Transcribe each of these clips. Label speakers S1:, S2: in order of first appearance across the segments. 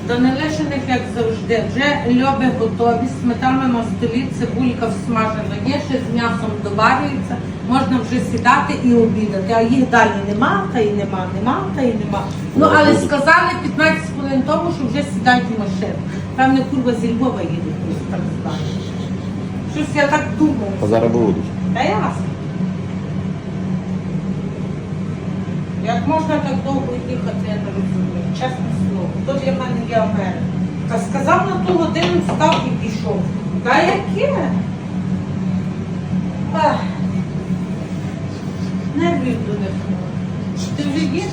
S1: До нелишених, як завжди, вже льоби готові, сметана на столі, цибулька всмажена є, ще з м'ясом доварюється, можна вже сідати і обідати. А їх далі нема, та й нема, та й нема. Ну, але сказали 15 хвилин тому, що вже сідають в машину. Певне, курва зі Львова їде, так знаю. Щось я так думаю.
S2: А зараз будуть.
S1: Та ясно. Як можна так довго їхати, я не розумію, чесне слово. То для мене є Америка. Та сказав на ту годину, встав і пішов. Та яке? Ах. Нервів до них. Чи ти вже їш?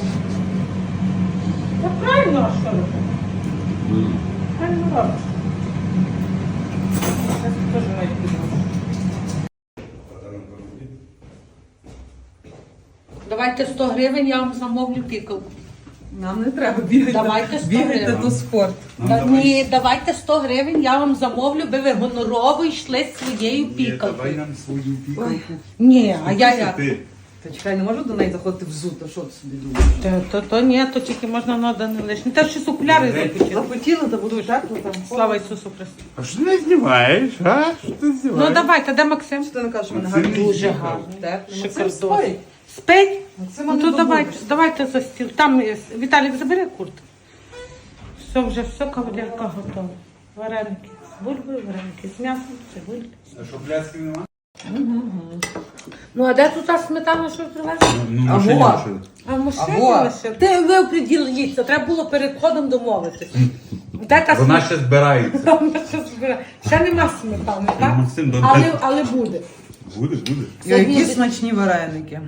S1: Та правильно, а що робити? Правильно робиш. Це теж навіть піду. Давайте 100 гривень, я вам замовлю пікалку.
S3: Нам не треба бігати.
S1: Давайте 100
S3: бігати
S1: гривень.
S3: то спорт.
S1: Ні, давайте 100 гривень, я вам замовлю, би ви гонорово йшли своєю
S4: Давай
S1: пікалкою.
S4: нам свою пікалку.
S1: Ні, а я як?
S4: Ти.
S3: Та чекай, не можу до неї заходити взуто, що ти собі думаєш?
S1: То ні, то тільки можна на не лишні. Та щось окуляри запотіли.
S3: Захотіла, то буду жарко там.
S1: Слава Ісусу Христу.
S4: А що ти не знімаєш, а? Що ти знімаєш?
S1: Ну давайте, де Максим?
S3: Що ти не кажеш, що мене
S4: Максим
S3: гарно?
S4: не
S1: Дуже
S4: їхав.
S1: гарно.
S3: Так,
S1: Шикардос.
S3: спить.
S1: Спить?
S3: Максима
S1: Ну
S3: не
S1: то
S3: добудеш.
S1: давайте за стіл. Там Віталік, забери курт. все, кавалерка готова. Вареники з бульбою, вареники з м'ясом, цибульки.
S4: А що, пляцків нема?
S1: Ну, а де тут та сметана, що ви привезли?
S4: Ну,
S3: А
S4: машині
S3: во.
S4: лишили.
S1: А в машині
S3: Або.
S1: лише. Ви оприділіться, треба було перед входом домовитися. Де та
S4: Вона ще збирається.
S1: Вона ще збирає. Ще нема сметани, так?
S4: Максим, до-
S1: Але буде.
S4: Буде.
S3: Які смачні вареники.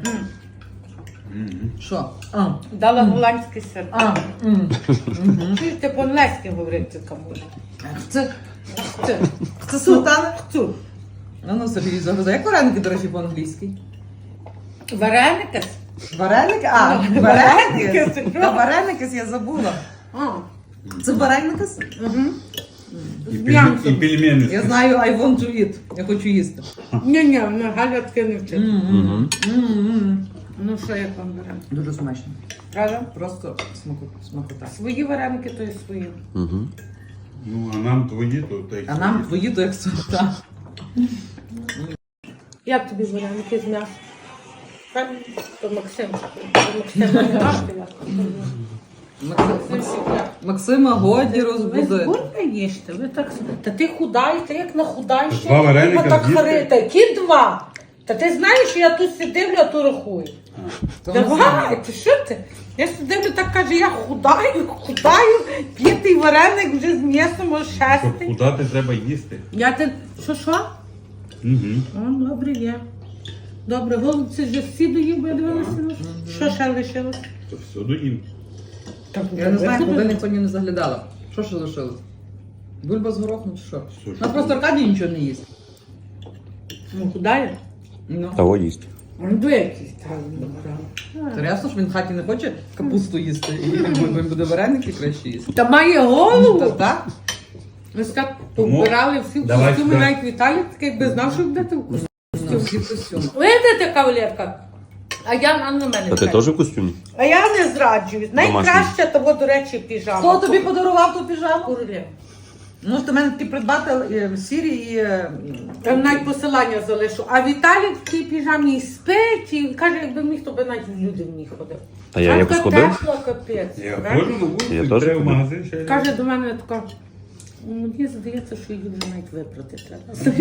S3: Що?
S1: Дала голландський сир.
S3: А.
S1: Чуєш, ти по-англійськи говорити кому?
S3: Це
S1: Це
S3: сметана?
S1: Цу.
S3: Ну, Сергій, загрузай. Як вареники, до речі, по-англійськи?
S1: Вареники?
S3: Вареники? А,
S1: Ну,
S3: вареники?
S1: вареники.
S3: А вареники я забула.
S1: А.
S3: Це вареники?
S4: І
S1: м'ясом.
S4: пельмени.
S3: Я знаю, I want to eat. Я хочу їсти.
S1: Ні, Галя таке не вчить. Ну що, як вам вареники?
S3: Дуже смачно.
S1: Правда?
S3: Просто смакота.
S1: Свої вареники, то і свої.
S4: Ну, а нам твої, то та й
S3: А нам твої то як смакота.
S1: Як тобі вареники з м'ясом? Правильно? То Максим. Максим не грати.
S3: Максима годі
S1: Ви
S3: розбудити.
S1: скільки їсте? Ви так... Та ти худаєте, як нахудаєш?
S4: Два вареника
S1: так
S4: з'їсти?
S1: харите. Які два? Та ти знаєш, що я тут сидивлю, а то рахую. Давай, ти що ти? Я сидивлю, так каже, я худаю, п'ятий вареник вже з м'ясом,
S4: Щоб
S1: шестий.
S4: худати, треба їсти.
S1: Я ти... Що?
S4: Угу.
S1: О, добре є. Добре, голубці вже всі доїв, бо я дивилася. Що ще лишилось?
S4: То все доїм.
S3: Я не знаю, куди ніхто не заглядала. Що ще лишилось? Бульба з горохом чи що?
S4: Що ж?
S3: Нас просто Аркадій нічого не їсть.
S1: Ну, худає?
S3: Ну.
S2: Того їсть.
S1: Ну, до якісь там.
S3: Це ясно, що він в хаті не хоче капусту їсти, і він буде вареники краще їсти.
S1: Та має голову.
S3: Та так?
S1: Ось так
S4: Тому
S1: побирали всі в
S4: давай
S1: костюми,
S4: сюди.
S1: навіть Віталік такий, якби знав, що будете в костюмі.
S3: Ну, всі костюми.
S1: Видите, кавалерка? А я на мене.
S2: А ти теж в костюмі?
S1: А я не зраджую. Найкраще того, до речі, піжама.
S3: Хто тобі подарував ту піжаму?
S1: Королева.
S3: Ну, ж ти мене такі придбати сірі і...
S1: Я навіть посилання залишу. А Віталік в тій піжамі і спить, і каже, якби міг, то би навіть в люди в ній ходив.
S2: Та я якось ходив.
S1: Тепло, капець.
S4: Я
S1: правда?
S4: ходжу на вулицю,
S2: Я теж
S4: треба в
S2: ходив.
S4: магазин ще.
S1: Каже до мене тако, мені здається, що її вже навіть випрати треба.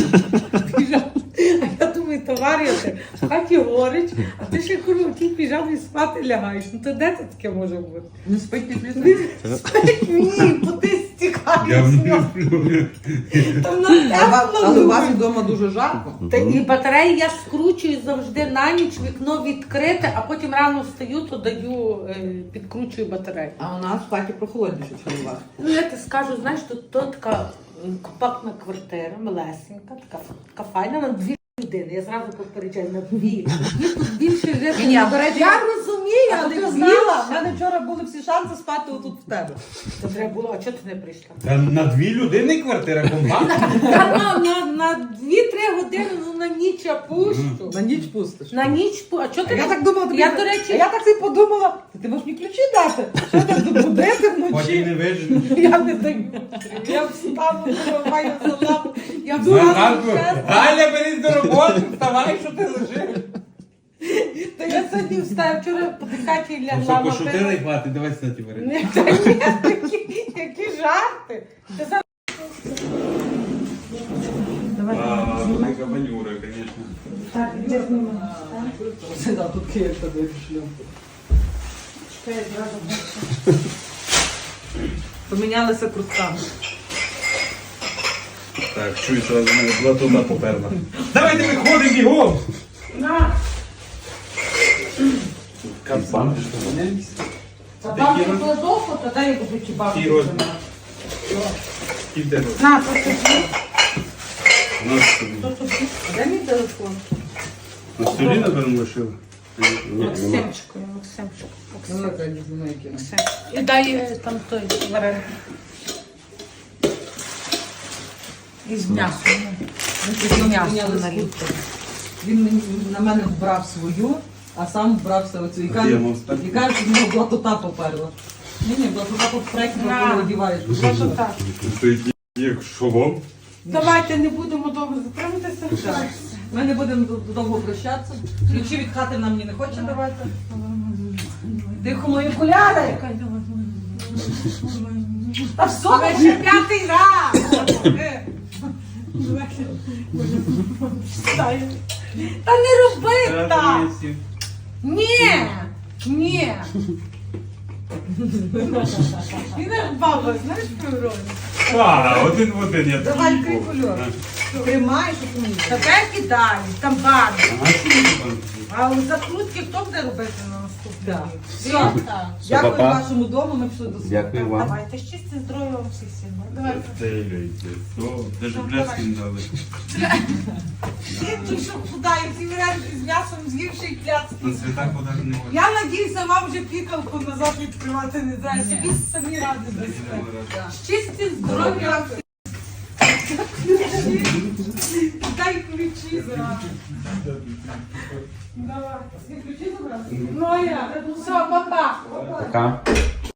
S1: А я думаю, товариші, в хаті горить, а ти ще в тій піжамі спати лягаєш. Ну то де це таке може бути?
S3: Не спить під лісом?
S1: Ні, бо ти
S4: Я
S1: стікаєш.
S4: не сплю.
S1: Там на
S3: Але у вас
S1: тепло.
S3: вдома дуже жарко.
S1: Та і батареї я скручую завжди на ніч, вікно відкрите, а потім рано встаю, то даю, підкручую батарею.
S3: А у нас в хаті прохолодніше, ніж у вас.
S1: Ну, я ти скажу, знаєш, тут така компактна квартира, малесенька, така файна, на дві людини. Я зразу попереджаю, на дві. Мені тут більше жити.
S3: Ні, до речі,
S1: Я розумію,
S3: А
S1: але
S3: ти
S1: дві.
S3: знала, в мене вчора були всі шанси спати отут в тебе.
S1: Це треба було, а чого ти не прийшла?
S4: Та на дві людини квартира компактна.
S1: Та на 2-3 години, ну на ніч я пущу.
S3: На ніч пустиш.
S1: На ніч, а чого
S3: А
S1: ти
S3: я
S1: не-
S3: так думала, тобі...
S1: Я, до речі,
S3: А я так собі подумала, Ти можеш мені ключі дати? Що ти добудити
S4: Потім
S3: вночі?
S4: не вижу.
S1: Я не даю. Я встану, маю салат. Я
S4: Ганку,
S1: встану.
S4: Галя, берись до роботи, вставай, що ти лежиш.
S1: Та я сьогодні встаю, вчора подихати і
S4: Ну
S1: лягла
S4: що,
S1: на
S4: пошутила і хватить, давай снаті варити.
S1: Ні, та ні, які жарти. Ти сам... Давай, знімай.
S4: Така банюра, звісно.
S1: Так, іди знімай.
S3: Да, тут Київ тобі шлюб.
S1: Чекай, я зразу.
S3: Помінялися крутками.
S4: Так, чуй, сразу мене була туди поперла. Давайте виходимо бігом!
S1: На,
S4: Капсан.
S1: та там є кладовку, тоді я буду кібабки.
S4: Який розмір? Скільки тебе?
S1: На, то тобі,
S4: У нас тобі.
S1: то тобі. Дай мій телефон.
S4: На столі, напевно, лишили.
S1: Максимчику, Максимчику.
S3: Велика дізна кіно.
S1: Максим. І дай там той вареник. Із м'ясом. Із м'ясом наліт.
S3: Він мені на мене вбрав свою, а сам вбрався оцю. І
S4: А
S3: каже,
S4: я мав спати?
S3: і каже, що в нього блатота поперла. Ні, блатота по проєкту,
S1: На.
S3: коли одіваєш.
S1: Просто так.
S4: Стоїть як шолом.
S1: Давайте не будемо довго затриматися.
S3: Ми не будемо довго прощатися. Ключі від хати нам ні не хоче давати. Тихо, мої окуляри! Та все,
S1: Але ще п'ятий раз. Та не роби так. Ні, ні. І не баба, знаєш про
S4: А, один в один, я
S3: давай
S4: такий був.
S3: крикульок. Тримай, щоб мені.
S1: Та де кидай, там банк.
S4: Ага, що ти там?
S1: А у закрутки хто буде робити на наступний
S3: Да.
S1: рік?
S3: Все.
S1: Так.
S3: Дякую
S2: па-па.
S3: вашому дому, ми пішли до себе.
S2: Дякую вам.
S1: Давайте, щастя, здоров'я вам всіх сильно. Давайте.
S4: Стеляйте. О, даже бляски не дали.
S1: Ти що худає, ці вареники з м'ясом з'ївши і пляцки.
S4: На святах подати не можна.
S1: Я надіюся, вам вже пікалку назад відкривати не треба. Собі самі ради дасте. Щастя, здоров'я вам всіх. Дай ключі зараз. Давай. Всі ключі забрати? Ну а я. Все, па-па.
S2: Пока.